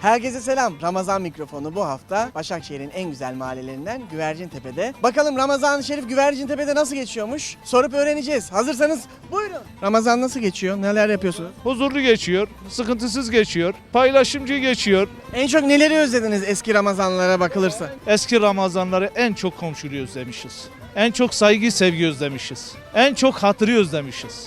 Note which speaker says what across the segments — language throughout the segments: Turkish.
Speaker 1: Herkese selam. Ramazan mikrofonu bu hafta Başakşehir'in en güzel mahallelerinden Güvercintepe'de. Bakalım Ramazan-ı Şerif Güvercintepe'de nasıl geçiyormuş? Sorup öğreneceğiz. Hazırsanız buyurun. Ramazan nasıl geçiyor? Neler yapıyorsunuz?
Speaker 2: Huzurlu geçiyor, sıkıntısız geçiyor, paylaşımcı geçiyor.
Speaker 1: En çok neleri özlediniz eski Ramazanlara bakılırsa?
Speaker 2: Eski Ramazanları en çok komşuluğu özlemişiz. En çok saygı, sevgi özlemişiz. En çok hatırı özlemişiz.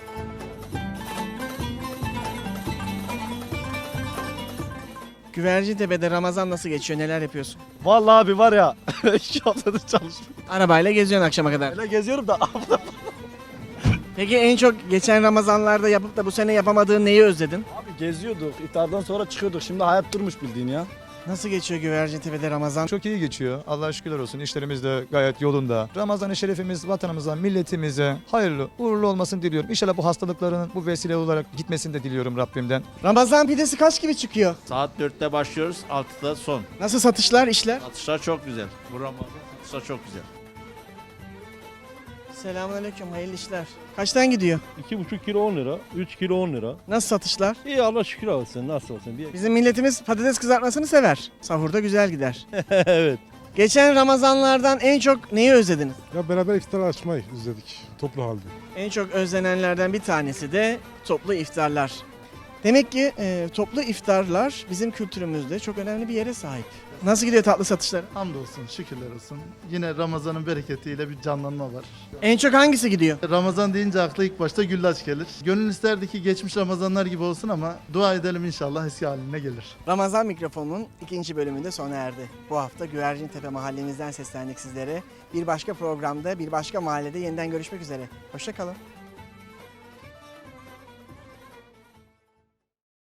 Speaker 1: Güvercintepe'de Ramazan nasıl geçiyor? Neler yapıyorsun?
Speaker 3: Vallahi abi var ya 2 haftadır çalışmıyorum.
Speaker 1: Arabayla geziyorsun akşama kadar.
Speaker 3: Öyle geziyorum da
Speaker 1: Peki en çok geçen Ramazanlarda yapıp da bu sene yapamadığın neyi özledin?
Speaker 3: abi geziyorduk. İftardan sonra çıkıyorduk. Şimdi hayat durmuş bildiğin ya.
Speaker 1: Nasıl geçiyor Güvercintepe'de Ramazan?
Speaker 4: Çok iyi geçiyor. Allah'a şükürler olsun. İşlerimiz de gayet yolunda. Ramazan-ı Şerifimiz vatanımıza, milletimize hayırlı, uğurlu olmasını diliyorum. İnşallah bu hastalıkların bu vesile olarak gitmesini de diliyorum Rabbimden.
Speaker 1: Ramazan pidesi kaç gibi çıkıyor?
Speaker 5: Saat 4'te başlıyoruz, 6'da son.
Speaker 1: Nasıl satışlar, işler?
Speaker 5: Atışlar çok güzel. Bu Ramazan atışlar çok güzel.
Speaker 1: Selamünaleyküm, hayırlı işler. Kaçtan gidiyor?
Speaker 6: 2,5 kilo 10 lira, 3 kilo 10 lira.
Speaker 1: Nasıl satışlar?
Speaker 6: İyi Allah şükür olsun, nasıl olsun diye.
Speaker 1: Bizim milletimiz patates kızartmasını sever. Sahurda güzel gider.
Speaker 6: Evet.
Speaker 1: Geçen Ramazanlardan en çok neyi özlediniz?
Speaker 7: Ya beraber iftar açmayı izledik toplu halde.
Speaker 1: En çok özlenenlerden bir tanesi de toplu iftarlar. Demek ki toplu iftarlar bizim kültürümüzde çok önemli bir yere sahip. Nasıl gidiyor tatlı satışları?
Speaker 8: Hamdolsun, şükürler olsun. Yine Ramazan'ın bereketiyle bir canlanma var.
Speaker 1: En çok hangisi gidiyor?
Speaker 8: Ramazan deyince akla ilk başta güllaç gelir. Gönül isterdi ki geçmiş Ramazanlar gibi olsun ama dua edelim inşallah eski haline gelir.
Speaker 1: Ramazan mikrofonunun ikinci bölümünde sona erdi. Bu hafta Güvercintepe mahallemizden seslendik sizlere. Bir başka programda, bir başka mahallede yeniden görüşmek üzere. Hoşça kalın.